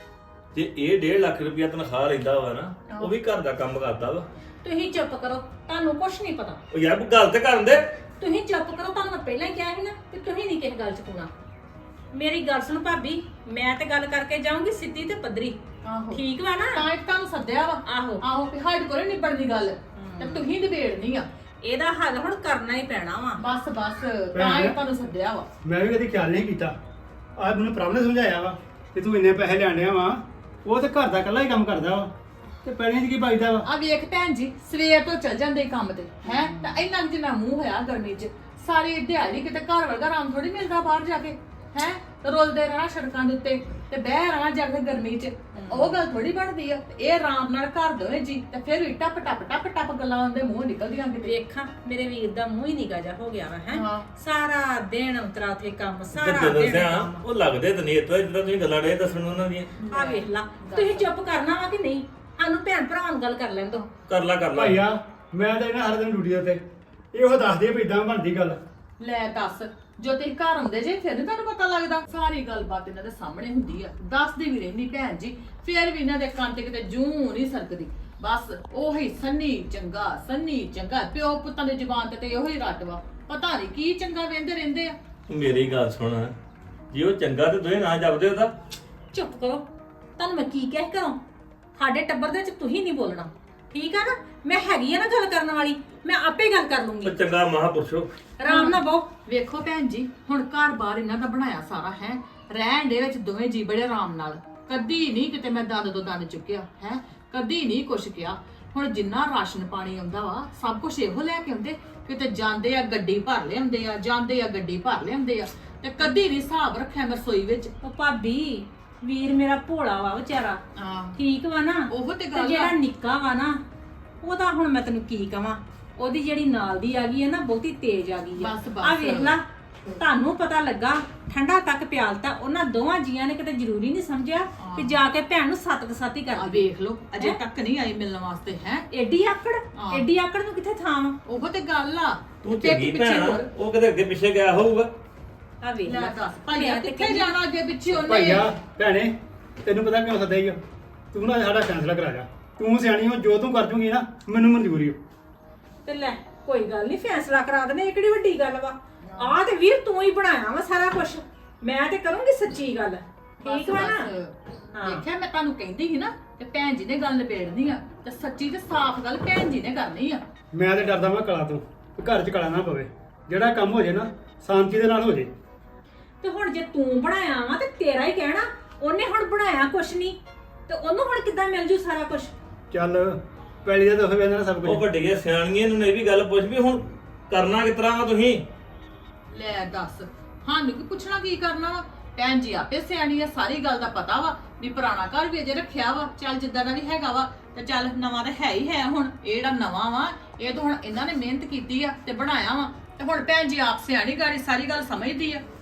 F: ਜੇ ਇਹ ਡੇਢ ਲੱਖ ਰੁਪਇਆ ਤਨਖਾਹ ਲੈਂਦਾ ਵਾ ਨਾ, ਉਹ ਵੀ ਘਰ ਦਾ ਕੰਮ ਕਰਦਾ ਵਾ।
D: ਤੁਸੀਂ ਚੁੱਪ ਕਰੋ, ਤੁਹਾਨੂੰ ਕੁਝ ਨਹੀਂ ਪਤਾ।
F: ਉਹ ਯਾਰ ਗੱਲ ਤੇ ਕਰਨ ਦੇ।
D: ਤੁਸੀਂ ਚੁੱਪ ਕਰੋ, ਤੁਹਾਨੂੰ ਮੈਂ ਪਹਿਲਾਂ ਹੀ ਕਿਹਾ ਸੀ ਨਾ ਕਿ ਤੁਸੀਂ ਨਹੀਂ ਕਿਸੇ ਗੱਲ 'ਚ ਪਾਉਣਾ। ਮੇਰੀ ਗੱਲ ਸੁਣ ਭਾਬੀ, ਮੈਂ ਤੇ ਗੱਲ ਕਰਕੇ ਜਾਊਂਗੀ ਸਿੱਧੀ ਤੇ ਪੱਧਰੀ।
C: ਆਹੋ
D: ਠੀਕ ਵਾ ਨਾ?
C: ਤਾਂ ਇੱਕ ਤੁਹਾਨੂੰ ਸੱਦਿਆ ਵਾ।
D: ਆਹੋ।
C: ਆਹੋ ਵੀ ਸਾਡੇ ਕੋਲ ਨਿਬੜਦੀ ਗੱਲ ਤੇ ਤੁਸੀਂ ਨਿਬੇੜਨੀ ਆ।
D: ਇਹਦਾ ਹੱਲ ਹੁਣ ਕਰਨਾ ਹੀ ਪੈਣਾ ਵਾ।
C: ਬਸ ਬਸ ਤਾਂ ਹੀ ਤੁਹਾਨੂੰ ਸੱਦਿਆ ਵਾ।
A: ਮੈਂ ਵੀ ਕਦੀ ਖਿਆਲ ਨਹੀਂ ਕੀਤਾ। ਅੱਜ ਮੈਨੂੰ ਪ੍ਰਭ ਨੇ ਸਮਝਾਇਆ ਵਾ ਕਿ ਤੂੰ ਇੰਨੇ ਪੈਸੇ ਲੈਣੇ ਵਾ, ਉਹ ਤੇ ਘਰ ਦਾ ਇਕੱਲਾ ਹੀ ਕੰਮ ਕਰਦਾ ਵਾ ਤੇ ਪੈਣੀਆਂ 'ਚ ਕੀ ਬਚਦਾ ਵਾ।
C: ਆ ਵੇਖ ਭੈਣ ਜੀ, ਸਵੇਰ ਤੋਂ ਚੱਲ ਜਾਂਦੇ ਕੰਮ ਤੇ ਹੈ ਤਾਂ ਇੰਨਾ ਕੁ ਜਿੰਨਾ ਮੂੰਹ ਹੋਇਆ ਗਰਮੀ 'ਚ ਸਾਰੀ ਦਿਹਾੜੀ ਕਿਤੇ ਘਰ ਵਰਗਾ ਆਰਾਮ ਥੋੜੀ ਮਿਲਦਾ ਬਾਹਰ ਜਾ ਕੇ। ਹੈ ਰੋਲਦੇ ਰਹਿਣਾ ਸੜਕਾਂ ਦੇ ਉੱਤੇ ਤੇ ਬਹਿ ਰਹਿਣਾ ਜਾ ਕੇ ਗਰਮੀ 'ਚ, ਉਹ ਗੱਲ ਥੋੜੀ ਬਣਦੀ ਆ। ਇਹ ਆਰਾਮ ਨਾਲ ਘਰ ਦੋਵੇਂ ਜੀ ਤੇ ਫਿਰ ਵੀ ਟੱਪ ਟੱਪ ਟੱਪ ਟੱਪ ਗੱਲਾਂ ਦੇ ਮੂੰਹ ਨਿਕਲਦੀਆਂ ਕਿਤੇ।
D: ਵੇਖਾਂ ਮੇਰੇ ਵੀਰ ਦਾ ਮੂੰਹ ਹੀ ਨਿਕਾ ਜਾ ਹੋ ਗਿਆ ਵਾ ਹੈ।
C: ਹਾਂ।
D: ਸਾਰਾ ਦਿਨ ਉਤਰਾ ਤੇ ਕੰਮ, ਸਾਰਾ
F: ਜਿੱਦਾਂ
D: ਦਿਨ
F: ਦੱਸਿਆ
D: ਕੰਮ।
F: ਉਹ ਲੱਗਦੇ ਤਾਂ ਨਹੀਂ ਇਤੋਂ ਜਿੱਦਾਂ ਤੁਸੀਂ ਗੱਲਾਂ ਡੇ ਦੱਸਣ ਉਹਨਾਂ ਦੀਆਂ।
D: ਆ ਵੇਖ ਲਾ, ਤੁਸੀਂ ਚੁੱਪ ਕਰਨਾ ਵਾ ਕਿ ਨਹੀਂ? ਸਾਨੂੰ ਭੈਣ ਭਰਾਵਾਂ ਨਾਲ ਗੱਲ ਕਰ ਲੈਣ ਦੋ।
F: ਕਰ ਲਾ ਕਰ ਲਾ।
A: ਭਾਈਆ ਮੈਂ ਤਾਂ ਇਹਨਾਂ ਹਰ ਦਿਨ ਡਿਊਟੀ ਉੱਤੇ ਇਹੋ ਦੱਸਦੇ ਆ ਵੀ ਇਦਾਂ ਬਣਦੀ ਗੱਲ।
C: ਲੈ ਦੱਸ, ਜੋ ਤੁਸੀਂ ਘਰ ਆਉਂਦੇ ਜੇ ਫਿਰ ਨੀ ਤੁਹਾਨੂੰ ਪਤਾ ਲੱਗਦਾ? ਸਾਰੀ ਗੱਲਬਾਤ ਇਹਨਾਂ ਦੇ ਸਾਹਮਣੇ ਹੁੰਦੀ ਆ, ਦੱਸਦੀ ਵੀ ਰਹਿੰਦੀ ਭੈਣ ਜੀ। ਫਿਰ ਵੀ ਇਹਨਾਂ ਦੇ ਕੰਨ ਤੇ ਕਿਤੇ ਜੂੰ ਨਹੀਂ ਸਰਕਦੀ। ਬਸ ਉਹੀ ਸੰਨੀ ਚੰਗਾ ਸੰਨੀ ਚੰਗਾ, ਪਿਓ ਪੁੱਤਾਂ ਦੀ ਜ਼ੁਬਾਨ ਤੇ ਤੇ ਉਹੀ ਰੱਟ ਵਾ। ਪਤਾ ਨਹੀਂ ਕੀ ਚੰਗਾ ਵੇਂਦੇ ਰਹਿੰਦੇ ਆ।
F: ਮੇਰੀ ਗੱਲ ਸੁਣ, ਜੇ ਉਹ ਚੰਗਾ ਤੇ ਦੋਵੇਂ ਨਾ ਜਪਦੇ ਉਹਦਾ।
D: ਚੁੱਪ ਕਰੋ, ਤੁਹਾਨੂੰ ਮੈਂ ਕੀ ਕਹਿ ਕਰਾਂ? ਸਾਡੇ ਟੱਬਰ ਦੇ ਵਿੱਚ ਤੁਸੀਂ ਨਹੀਂ ਬੋਲਣਾ, ਠੀਕ ਆ ਨਾ? ਮੈਂ ਹੈਗੀ ਆ ਨਾ ਗੱਲ ਕਰਨ ਵਾਲੀ, ਮੈਂ ਆਪੇ ਗੱਲ ਕਰ ਲੂੰਗੀ।
F: ਉਹ ਚੰਗਾ ਮਹਾਂਪੁਰਸ਼ੋ।
D: ਆਰਾਮ ਨਾਲ ਬਹੁ।
C: ਵੇਖੋ ਭੈਣ ਜੀ, ਹੁਣ ਘਰ ਬਾਰ ਇਹਨਾਂ ਦਾ ਬਣਾਇਆ ਸਾਰਾ ਹੈ, ਰਹਿਣ ਦੇ ਵਿੱਚ ਦੋਵੇਂ ਜੀ ਬੜੇ ਆਰਾਮ ਨਾਲ। ਕਦੀ ਨਹੀਂ ਕਿਤੇ ਮੈਂ ਦੰਦ ਤੋਂ ਦੰਦ ਚੁੱਕਿਆ ਹੈ, ਕਦੀ ਨਹੀਂ ਕੁਛ ਕਿਹਾ। ਹੁਣ ਜਿੰਨਾ ਰਾਸ਼ਨ ਪਾਣੀ ਆਉਂਦਾ ਵਾ ਸਭ ਕੁਝ ਇਹੋ ਲੈ ਕੇ ਆਉਂਦੇ, ਕਿਤੇ ਜਾਂਦੇ ਆ ਗੱਡੀ ਭਰ ਲਿਆਉਂਦੇ ਆ, ਜਾਂਦੇ ਆ ਗੱਡੀ ਭਰ ਲਿਆਉਂਦੇ ਆ, ਤੇ ਕਦੀ ਨਹੀਂ ਹਿਸਾਬ ਰੱਖਿਆ ਮੈਂ ਰਸੋਈ ਵਿੱਚ।
D: ਉਹ ਭਾਬੀ ਵੀਰ ਮੇਰਾ ਭੋਲਾ ਵਾ ਵਿਚਾਰਾ,
C: ਹਾਂ
D: ਠੀਕ ਵਾ ਨਾ।
C: ਉਹ ਤੇ
D: ਤੇ
C: ਗੱਲ
D: ਜਿਹੜਾ
C: ਆ।
D: ਨਿੱਕਾ ਵਾ ਨਾ ਉਹਦਾ ਹੁਣ ਮੈਂ ਤੈਨੂੰ ਕੀ ਕਵਾਂ, ਉਹਦੀ ਜਿਹੜੀ ਨਾਲ ਦੀ ਆ ਗਈ ਹੈ ਨਾ ਬਹੁਤੀ ਤੇਜ਼ ਆ ਗਈ ਆ।
C: ਬਸ, ਬਸ।
D: ਆ ਵੇਖ ਲਾ, ਤੁਹਾਨੂੰ ਪਤਾ ਲੱਗਾ ਠੰਡਾ ਤੱਕ ਪਿਆਲਤਾ ਉਹਨਾਂ ਦੋਵਾਂ ਜੀਆਂ ਨੇ, ਕਿਤੇ ਜ਼ਰੂਰੀ ਨਹੀਂ ਸਮਝਿਆ ਕਿ ਜਾ ਕੇ ਭੈਣ ਨੂੰ ਸੱਤ ਕ ਸੱਤ ਹੀ
C: ਆ
D: ਕਰ
C: ਵੇਖ ਲੋ ਅਜੇ ਤੱਕ ਨਹੀਂ ਆਈ ਮਿਲਣ ਵਾਸਤੇ ਹੈ।
D: ਏਡੀ ਆਕੜ,
C: ਹਾਂ।
D: ਏਡੀ ਆਕੜ ਨੂੰ ਕਿੱਥੇ ਥਾਂ ਵਾ।
C: ਉਹ ਤੇ ਗੱਲ ਆ।
F: ਤੂੰ
C: ਪਿੱਠ
F: ਚੰਗੀ
C: ਪਿੱਛੇ
F: ਭੈਣ ਆ,
C: ਹੋਰ।
F: ਉਹ ਕਿਤੇ ਅੱਗੇ ਪਿੱਛੇ ਗਿਆ ਹੋਊਗਾ।
D: ਆ ਵੇਖ
C: ਲੈ
D: ਲੈ
C: ਦੱਸ ਭਾਈਆ
D: ਮੈਂ ਤੇ
C: ਕਿੱਥੇ
D: ਕਹਿੰਦੀ-
C: ਜਾਣਾ ਅੱਗੇ ਪਿੱਛੇ ਉਹਨੇ?
B: ਭਾਈਆ ਭੈਣੇ ਤੈਨੂੰ ਪਤਾ ਕਿਉਂ ਸੱਦਿਆ ਈ ਆ? ਤੂੰ ਨਾ ਸਾਡਾ ਫੈਸਲਾ ਕਰਾ ਜਾ। ਤੂੰ ਸਿਆਣੀ ਹੋ, ਜੋ ਤੂੰ ਕਰ ਜੂਗੀ ਨਾ ਮੈਨੂੰ ਮਨਜ਼ੂਰੀ ਹੋ।
D: ਤੇ ਲੈ ਕੋਈ ਗੱਲ ਨਹੀਂ, ਫੈਸਲਾ ਕਰਾ ਦਨੇ, ਇਹ ਕਿਹੜੀ ਵੱਡੀ ਗੱਲ ਵਾ। ਆ ਤੇ ਵੀਰ ਤੂੰ ਹੀ ਬਣਾਇਆ ਵਾ ਸਾਰਾ ਕੁਝ, ਮੈਂ ਤੇ ਕਰੂੰਗੀ ਸੱਚੀ ਗੱਲ, ਠੀਕ ਵਾ ਨਾ। ਹਾਂ।
C: ਦੇਖਿਆ ਮੈਂ ਤੁਹਾਨੂੰ ਕਹਿੰਦੀ ਸੀ ਨਾ ਕਿ ਭੈਣ ਜੀ ਨੇ ਗੱਲ ਨਿਬੇੜਨੀ ਆ, ਤੇ ਸੱਚੀ ਤੇ ਸਾਫ਼ ਗੱਲ ਭੈਣ ਜੀ ਨੇ ਕਰਨੀ ਆ।
B: ਮੈਂ ਤੇ ਡਰਦਾ ਮੈਂ ਕਲਾ ਤੋਂ ਕਿ ਘਰ 'ਚ ਕਲਾ ਨਾ ਪਵੇ। ਜਿਹੜਾ ਕੰਮ ਹੋ ਜੇ ਨਾ ਸ਼ਾਂਤੀ ਦੇ ਨਾਲ ਹੋ ਜੇ।
D: ਤੇ ਹੁਣ ਜੇ ਤੂੰ ਬਣਾਇਆ ਵਾ ਤੇ ਤੇਰਾ ਹੀ ਕਹਿਣਾ, ਉਹਨੇ ਹੁਣ ਬਣਾਇਆ ਕੁਛ ਨਹੀਂ ਤੇ ਉਹਨੂੰ ਹੁਣ ਕਿੱਦਾਂ ਮਿਲ ਜੂ ਸਾਰਾ ਕੁਝ।
B: ਚੱਲ ਪਹਿਲੀ ਦਾ ਤਾਂ ਹੋਵੇ ਨਾ ਸਭ
F: ਉਹ
B: ਕੁਝ।
F: ਵੱਡੀਆਂ ਸਿਆਣੀਆਂ ਨੂੰ ਇਹ ਵੀ ਗੱਲ ਪੁੱਛ ਵੀ ਹੁਣ ਕਰਨਾ ਕਿਸ ਤਰ੍ਹਾਂ ਵਾ ਤੁਸੀਂ।
C: ਲੈ ਦੱਸ ਸਾਨੂੰ ਕੀ ਪੁੱਛਣਾ ਕੀ ਕਰਨਾ ਵਾ? ਭੈਣ ਜੀ ਆਪੇ ਸਿਆਣੀ ਆ, ਸਾਰੀ ਗੱਲ ਦਾ ਪਤਾ ਵਾ ਵੀ ਪੁਰਾਣਾ ਘਰ ਵੀ ਅਜੇ ਰੱਖਿਆ ਵਾ। ਚੱਲ ਜਿੱਦਾਂ ਦਾ ਵੀ ਹੈਗਾ ਵਾ ਤੇ ਚੱਲ ਨਵਾਂ ਤਾਂ ਹੈ ਹੀ ਹੈ। ਹੁਣ ਇਹ ਜਿਹੜਾ ਨਵਾਂ ਵਾ ਇਹ ਤਾਂ ਹੁਣ ਇਹਨਾਂ ਨੇ ਮਿਹਨਤ ਕੀਤੀ ਆ ਤੇ ਬਣਾਇਆ ਵਾ, ਤੇ ਹੁਣ ਭੈਣ ਜੀ ਆਪ ਸਿਆਣੀ ਗਾੜੀ ਸਾਰੀ ਗੱਲ ਸਮਝਦੀ ਆ।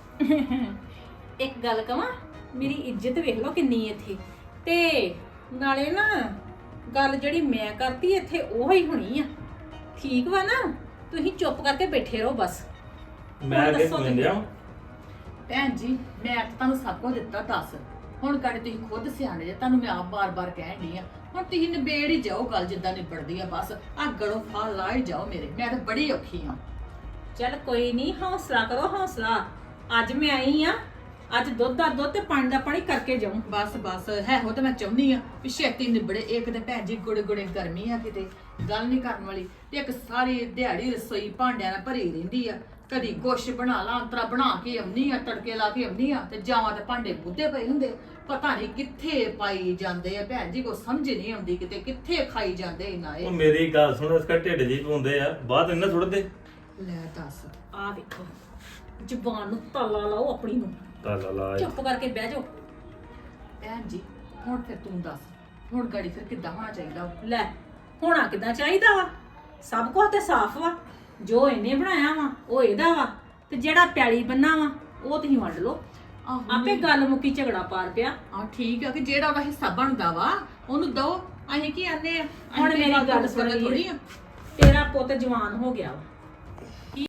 D: ਇੱਕ ਗੱਲ ਕਵਾਂ, ਮੇਰੀ ਇੱਜ਼ਤ ਵੇਖ ਲਓ ਕਿੰਨੀ ਇੱਥੇ, ਤੇ ਨਾਲੇ ਨਾ ਗੱਲ ਜਿਹੜੀ ਮੈਂ ਕਰਤੀ ਇੱਥੇ ਉਹ ਹੀ ਹੋਣੀ ਆ, ਠੀਕ ਵਾ ਨਾ। ਤੁਸੀਂ ਚੁੱਪ ਕਰਕੇ ਬੈਠੇ ਰਹੋ ਬਸ।
F: ਮੈਂ ਅੱਗੇ ਸੁਣ ਲਿਆ
C: ਭੈਣ ਜੀ ਮੈਂ ਤਾਂ ਤੁਹਾਨੂੰ ਸਭ ਕੁਝ ਦਿੱਤਾ ਦੱਸ, ਹੁਣ ਕਦੇ ਤੁਸੀਂ ਖੁਦ ਸਿਆਣੇ ਜੇ, ਤੁਹਾਨੂੰ ਮੈਂ ਆਪ ਬਾਰ-ਬਾਰ ਕਹਿਣ ਡਈ ਆ। ਹੁਣ ਤੁਸੀਂ ਨਿਬੇੜ ਹੀ ਜਾਓ ਗੱਲ ਜਿੱਦਾਂ ਨਿਬੜਦੀ ਆ, ਬਸ ਆ ਗੜੋਂ ਫਾ ਲਾ ਹੀ ਜਾਓ ਮੇਰੇ। ਮੈਂ ਤਾਂ ਬੜੀ ਔਖੀ ਆ।
D: ਚੱਲ ਕੋਈ ਨਹੀਂ, ਹੌਸਲਾ ਕਰੋ ਹੌਸਲਾ। ਅੱਜ ਮੈਂ ਆਈ ਆ, ਅੱਜ ਦੁੱਧ ਦਾ ਦੁੱਧ ਤੇ ਪਾਣੀ ਦਾ ਪਾਣੀ ਕਰਕੇ ਜਾਊਂ।
C: ਬਸ ਬਸ ਹੈ ਹੋ ਤਾਂ ਮੈਂ ਚਾਹੁੰਦੀ ਆ ਵੀ ਛੇਤੀ ਨਿਬੜੇ। ਇੱਕ ਤੇ ਭੈਣ ਜੀ ਗੁੜੇ ਗੁੜੇ ਗਰਮੀ ਆ, ਕਿਤੇ ਗੱਲ ਨਹੀਂ ਕਰਨ ਵਾਲੀ, ਤੇ ਇੱਕ ਸਾਰੀ ਦਿਹਾੜੀ ਰਸੋਈ ਭਾਂਡਿਆਂ ਨਾਲ ਭਰੀ ਰਹਿੰਦੀ ਆ। ਕਦੀ ਕੁਛ ਬਣਾ ਲਾ, ਅੰਤਰਾ ਬਣਾ ਕੇ ਆਉਣੀ ਆ, ਤੜਕੇ ਲਾ ਕੇ ਆਉਣੀ ਆ, ਤੇ ਜਾਵਾਂ ਤੇ ਭਾਂਡੇ ਬੁੱਧੇ ਪਏ ਹੁੰਦੇ, ਪਤਾ ਨਹੀਂ ਕਿੱਥੇ ਪਾਈ ਜਾਂਦੇ ਆ। ਭੈਣ ਜੀ ਕੋ ਸਮਝ ਨਹੀਂ ਆਉਂਦੀ ਕਿਤੇ ਕਿੱਥੇ ਖਾਈ ਜਾਂਦੇ ਇਹਨਾਂ
F: ਉਹ
C: ਇਹ।
F: ਮੇਰੀ ਗੱਲ ਸੁਣ, ਇਸਕਾ ਢਿੱਡ ਜੀ ਪਾਉਂਦੇ ਆ, ਬਾਅਦ ਇਹਨਾਂ ਸੁੱਟਦੇ।
C: ਲੈ ਦੱਸ
D: ਆ ਵੇਖੋ, ਜ਼ੁਬਾਨ ਨੂੰ ਤਾਲਾ ਲਾਓ ਆਪਣੀ ਨੂੰ,
F: ਤਾਲਾ ਲਾ
D: ਚੁੱਪ ਕਰਕੇ ਬਹਿ ਜਾਓ।
C: ਭੈਣ ਜੀ ਹੁਣ ਫਿਰ ਤੂੰ ਦੱਸ, ਹੁਣ ਗਾੜੀ ਫਿਰ ਕਿੱਦਾਂ ਹੋਣਾ ਚਾਹੀਦਾ ਵਾ?
D: ਲੈ ਹੋਣਾ ਕਿੱਦਾਂ ਚਾਹੀਦਾ ਵਾ, ਸਭ ਕੁਝ ਤੇ ਸਾਫ਼ ਵਾ। ਜੋ ਇਹਨੇ ਬਣਾਇਆ ਵਾ ਉਹ ਇਹਦਾ ਵਾ, ਤੇ ਜਿਹੜਾ ਪਿਆਲੀ ਬੰਨਾ ਵਾ ਉਹ ਤੁਸੀਂ ਵੰਡ ਲਓ।
C: ਆਹੋ
D: ਆਪੇ ਗੱਲ ਮੁੱਕੀ, ਝਗੜਾ ਪਾਰ ਪਿਆ।
C: ਆ ਠੀਕ ਆ ਕਿ ਜਿਹੜਾ ਉਹਦਾ ਹਿੱਸਾ ਬਣਦਾ ਵਾ ਉਹਨੂੰ ਦੋ। ਅਸੀਂ ਕੀ ਆਨੇ ਆ?
D: ਹੁਣ
C: ਅਸੀਂ
D: ਮੇਰੀ
C: ਗੱਲ
D: ਗੱਲ
C: ਸੁਣਨੀ
D: ਸੁਣ
C: ਥੋੜ੍ਹੀ ਆ।
D: ਤੇਰਾ ਪੁੱਤ ਜਵਾਨ ਹੋ ਗਿਆ ਵਾ,